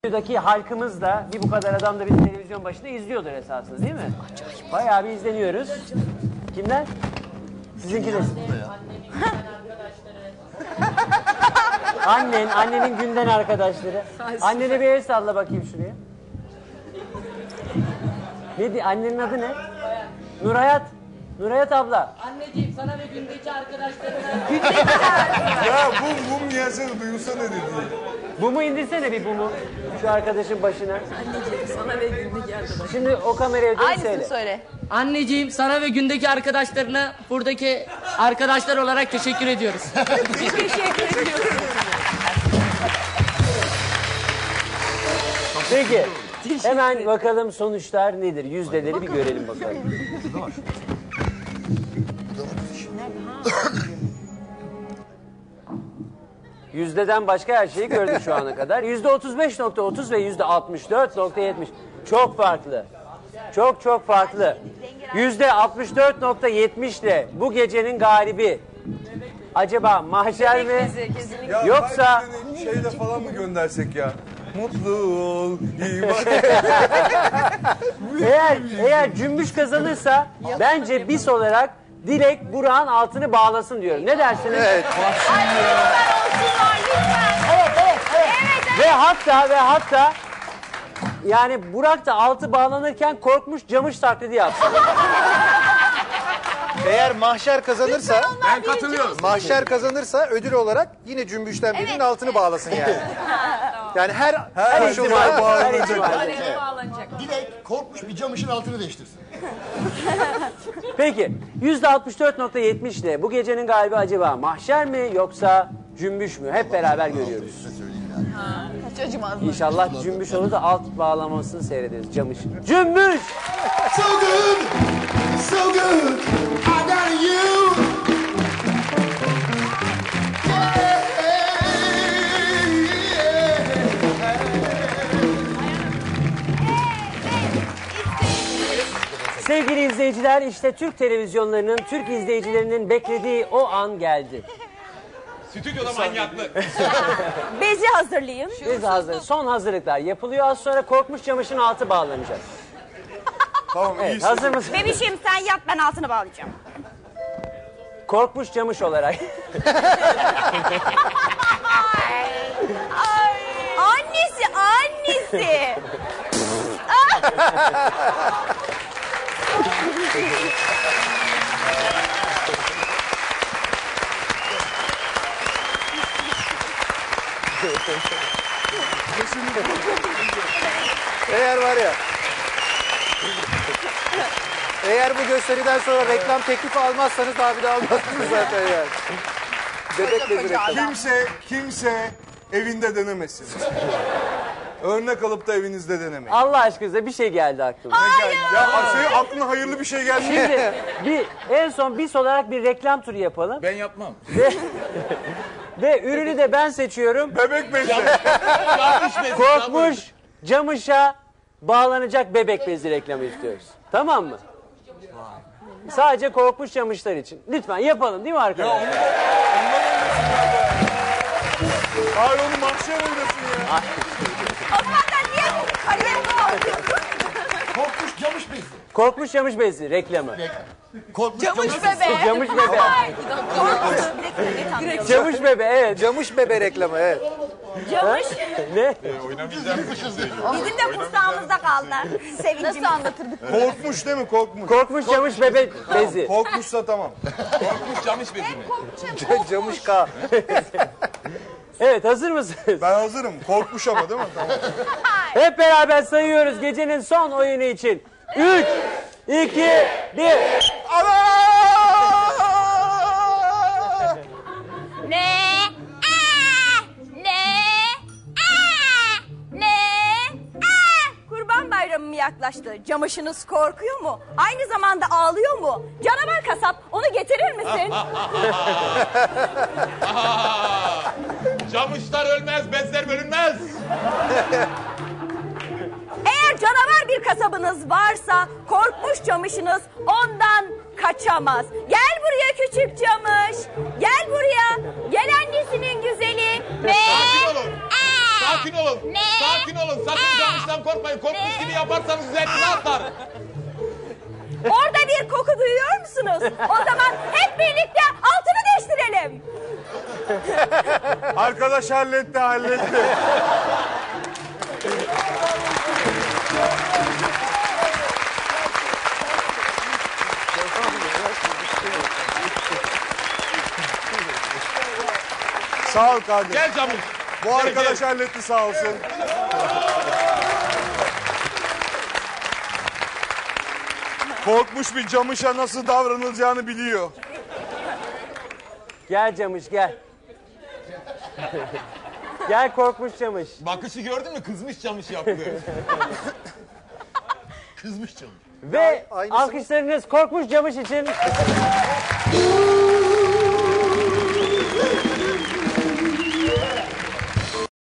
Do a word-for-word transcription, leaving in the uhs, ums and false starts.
Buradaki halkımız da bir bu kadar adam da bir televizyon başında izliyordur esasında değil mi? Bayağı bir izleniyoruz. Kimler? Sizinkiler. Annen, annenin günden arkadaşları. Annene bir el salla bakayım şuraya. Ne di? Annenin adı ne? Nurhayat. Nurhayat abla. Anneciğim sana ve gündeki arkadaşlarına... Ya bum bum gelsene duyulsa ne dedi? Bumu indirsene bir bumu. Şu arkadaşın başına. Anneciğim sana ve gündeki arkadaşlarına... Şimdi o kameraya dön Aynısını söyle. söyle. Anneciğim sana ve gündeki arkadaşlarına buradaki arkadaşlar olarak teşekkür ediyoruz. Teşekkür ediyorum. Peki. Hemen bakalım sonuçlar nedir? Yüzdeleri bir görelim bakalım. Yüzdeden başka her şeyi gördük şu ana kadar. Yüzde otuz beş nokta otuz ve yüzde altmış dört nokta yetmiş. Çok farklı. Çok çok farklı. Yüzde altmış dört nokta yetmiş ile bu gecenin galibi acaba Mahşer mi? Ya Yoksa belki şeyle falan mı göndersek ya? Mutlu ol, iyi bak. eğer eğer Cümbüş kazanırsa bence bis olarak Dilek Burak'ın altını bağlasın diyorum. Ne dersiniz? Ay lütfen olsunlar lütfen. Evet, evet, evet. Ve hatta ve hatta yani Burak da altı bağlanırken korkmuş camış taklidi yapsın. Eğer Mahşer kazanırsa, Ben katılıyorum. Mahşer kazanırsa ödül olarak yine Cümbüş'ten birinin Evet, altını bağlasın yani. Yani her Her her ihtimal koşulda bağlanacak. Dilek korkmuş bir camışın altını değiştirsin. Peki yüzde altmış dört nokta yetmiş ile bu gecenin galibi acaba Mahşer mi yoksa Cümbüş mü? Hep beraber görüyoruz. Kaç acımaz. İnşallah Cümbüş olur da alt bağlamasını seyrederiz camış. Cümbüş! So good, so good, I got you. Sevgili izleyiciler, işte Türk televizyonlarının, Türk izleyicilerinin beklediği o an geldi. Stüdyoda manyaklık. Bezi hazırlayayım. Biz hazır. Son hazırlıklar yapılıyor. Az sonra Korkmuş Camış'ın altı bağlanacak. Tamam Evet, iyisin. hazır mısın? Bebişim sen yat ben altını bağlayacağım. Korkmuş Camış olarak. Annesi annesi. eğer var ya. Eğer bu gösteriden sonra reklam teklifi almazsanız daha bir daha almazsınız zaten yani. Bebek bezi reklamı. Kimse, kimse evinde denemesin. Örnek alıp da evinizde denemeyin. Allah aşkınıza bir şey geldi aklıma. Ya senin aklına hayırlı bir şey gelmiyor. Şimdi bir, en son bis olarak bir reklam turu yapalım. Ben yapmam. Ve, ve ürünü de ben seçiyorum. Bebek bezi. Yanlış mesaj. Korkmuş Camış'a bağlanacak bebek bezi reklamı istiyoruz. Tamam mı? Sadece Korkmuş Camışlar için. Lütfen yapalım değil mi arkadaşlar? Hayır onu Mahşer oynasın ya. O zaman da niye kalem bağlıyorsun? Korkmuş camış bezi. Korkmuş Camış bezi reklamı. Korkmuş Camış camış bebe. Camış bebe. Korkmuş. Direkt öyle tanıyorum. Camış bebe evet. Camış bebe reklamı evet. Camış. Ne? Bizim de kursağımızda kaldılar. Sevincimiz. Nasıl anlatırdık? Korkmuş değil mi? Korkmuş. Korkmuş Camış bebe bezi. Korkmuşsa tamam. Korkmuş camış bezi mi? Camış K. Evet hazır mısınız? Ben hazırım. Korkmuş ama değil mi? Tamam. Hep beraber sayıyoruz gecenin son oyunu için. Üç, iki, bir. Ne? Aa! Ne? Aa! Ne? Aa! Kurban Bayramı mı yaklaştı? Camışınız korkuyor mu? Aynı zamanda ağlıyor mu? Canavar kasap onu getirir misin? Camışlar ölmez, bezler bölünmez. Eğer canavar bir kasabınız varsa korkmuş camışınız ondan kaçamaz. Gel buraya küçük camış. Gel buraya. Gel annesinin güzeli. Ve... Sakin olun. Aa! Sakin olun. Ne? Sakin olun. Sakın camıştan korkmayın. Korkmuş gibi yaparsanız üzerinize atlar. Orada bir koku duyuyor musunuz? O zaman hep birlikte altını değiştirelim. Arkadaş halletti halletti. Sağ ol kardeşim. Gel camış. Bu arkadaş halletti sağ olsun. Korkmuş bir camışa nasıl davranılacağını biliyor. Gel Camış gel. Gel korkmuş Camış. Bakışı gördün mü? Kızmış camış yaptı. Kızmış camış. Ve aynısını- alkışlarınız korkmuş Camış için.